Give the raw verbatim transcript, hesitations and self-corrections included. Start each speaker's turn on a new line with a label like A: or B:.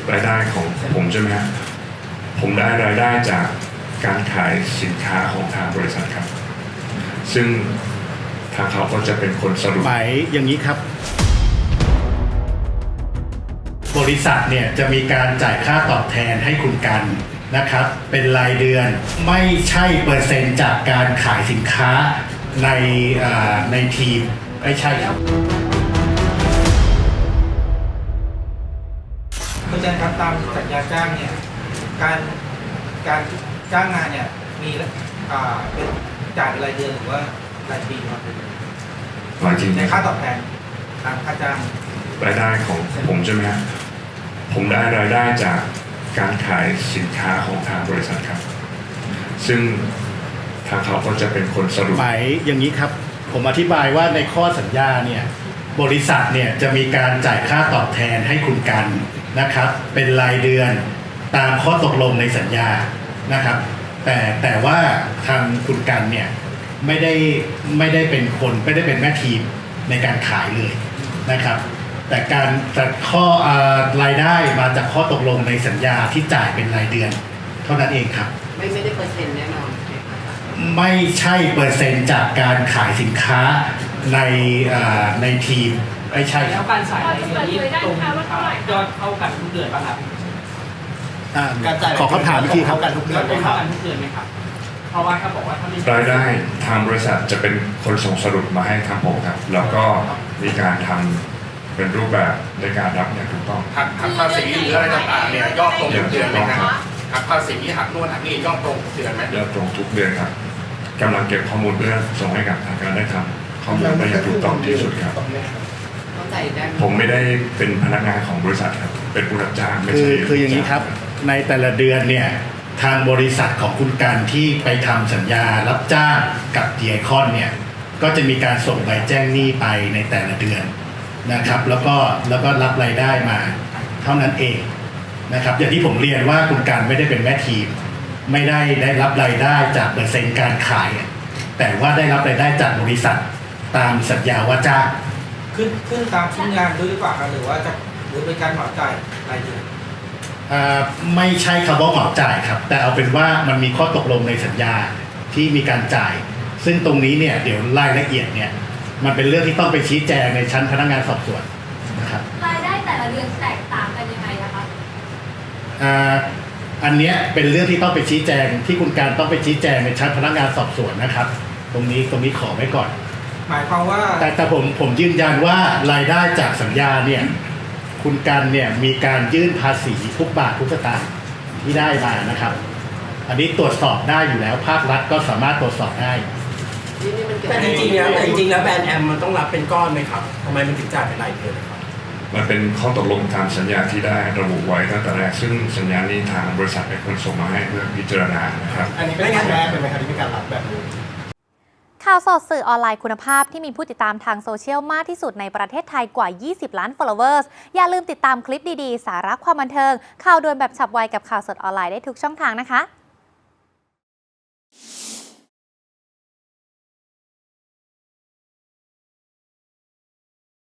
A: รายได้ของผมใช่ไหมครับผมได้รายได้จากการขายสินค้าของทางบริษัทครับซึ่งทางเขาก็จะเป็นคนสรุป
B: หมายอย่างนี้ครับบริษัทเนี่ยจะมีการจ่ายค่าตอบแทนให้คุณกันนะครับเป็นรายเดือนไม่ใช่เปอร์เซ็นต์จากการขายสินค้าในในทีมไม่ใช่ครับ
C: อาจารย์ครับตามสัญญาจ้างเนี่ยการการจ้างงานเนี่ยมีอ่าเป็นจ่ายเป็นรายเดือนหรือว่ารายปีครับ
A: รายปี
C: ในค่าตอบแทนตามค่าจ้าง
A: รายได้ของผมใช่ไหมครับผมได้รายได้จากการขายสินค้าของทางบริษัทครับซึ่งทางเขาก็จะเป็นคนสรุป
B: หมายอย่างนี้ครับผมอธิบายว่าในข้อสัญญาเนี่ยบริษัทเนี่ยจะมีการจ่ายค่าตอบแทนให้คุณกันนะครับเป็นรายเดือนตามข้อตกลงในสัญญานะครับแต่แต่ว่าทางคุณกันเนี่ยไม่ได้ไม่ได้เป็นคนไม่ได้เป็นแม่ทีมในการขายเลยนะครับแต่การแต่ข้อรายได้มาจากข้อตกลงในสัญญาที่จ่ายเป็นรายเดือนเท่านั้นเองครับ
D: ไม่ไม่ได้เปอร์เซ็นต์แน่นอน
B: ไม่ใช่เปอร์เซ็นต์จากการขายสินค้าในในทีมไม่ใช่
E: แล้วการจ่ายรายเดือนนี้ตรงยอดเท่ากันทุกเดือนป่ะครับ
B: การจ่ายขอคำถามอีกทีครับ
E: กันทุกเดือนเท่ากันทุกเดือนไหมครับเพราะว่าถ้าบอกว่าถ้าไม่
A: รายได้ทางบริษัทจะเป็นคนส่งสรุปมาให้ทางผมครับแล้วก็มีการทำเป็นรูปแบบในการรับอย่างถูกต้อง
F: หักหักภาษีหรืออะไรต่างๆเนี่ยยอดตรงทุกเดือนไหมครับหักภาษีหักนู่นหักนี่ยอดตรงทุกเดือนไหม
A: ยอดตรงทุกเดือนครับกำลังเก็บข้อมูลเพื่อส่งให้กับทางการได้ทำข้อมูลไปอย่างถูกต้องที่สุดครับผมไม่ได้เป็นพนักงานของบริษัทครับเป็นผู้รับจ้างไม่
B: ใช่คืออย่างนี้ครับในแต่ละเดือนเนี่ยทางบริษัทของคุณการที่ไปทำสัญญารับจ้างกับดีไอคอนเนี่ยก็จะมีการส่งใบแจ้งหนี้ไปในแต่ละเดือนนะครับแล้วก็แล้วก็รับรายได้มาเท่านั้นเองนะครับอย่างที่ผมเรียนว่าคุณการไม่ได้เป็นแม่ทีมไม่ได้ได้รับรายได้จากเปอร์เซ็นต์การขายแต่ว่าได้รับรายได้จากบริษัทตามสัญญาว่าจ้าง
C: ขึ้นขึ้นตามชิ้นงานด้วยหรือเปล่าครับหรือว่าจะหรือเป็นการเหมาจ่ายรายเดือน
B: ไม่ใช่คำว่าเหมาจ่ายครับแต่เอาเป็นว่ามันมีข้อตกลงในสัญญาที่มีการจ่ายซึ่งตรงนี้เนี่ยเดี๋ยวรายละเอียดเนี่ยมันเป็นเรื่องที่ต้องไปชี้แจงในชั้นพนักงานสอบสวนนะครับ
G: รายได้แต่ละเดือนแตกต่างกันยังไงนะคะ
B: อันนี้เป็นเรื่องที่ต้องไปชี้แจงที่คุณการต้องไปชี้แจงในชั้นพนักงานสอบสวนนะครับตรงนี้ตรงนี้ขอไว้ก่อน
C: หมายความว่า
B: แต่แต่ผมผมยืนยันว่ารายได้จากสัญญาเนี่ยคุณกันเนี่ยมีการยื่นภาษีทุกบาททุกสตางค์ที่ได้มานะครับอันนี้ตรวจสอบได้อยู่แล้วภาครัฐก็สามารถตรวจสอบได้
D: แต่จริงๆแล้วแต่จริงๆแล้วแบรนด์แอมมันต้องรับเป็นก้อนไหมครับทำไมมันถึงจ่ายเป็นรายเดือนครับ
A: มันเป็นข้อตกลงตามสัญญาที่ได้ระบุไว้ตั้งแต่แรกซึ่งสัญญานี้ทางบริษัทเป็นคนส่งมาให้เพื่อพิจารณานะครับ
C: อันนี้เป็นครั้งแรกเป็นไหมครับที่มีการรับแบบนี้
H: ข่าวสดสื่อออนไลน์คุณภาพที่มีผู้ติดตามทางโซเชียลมากที่สุดในประเทศไทยกว่ายี่สิบล้าน followers อย่าลืมติดตามคลิปดีๆสาระความบันเทิงข่าวด่วนแบบฉับไวกับข่าวสดออนไลน์ได้ทุกช่องทางนะคะ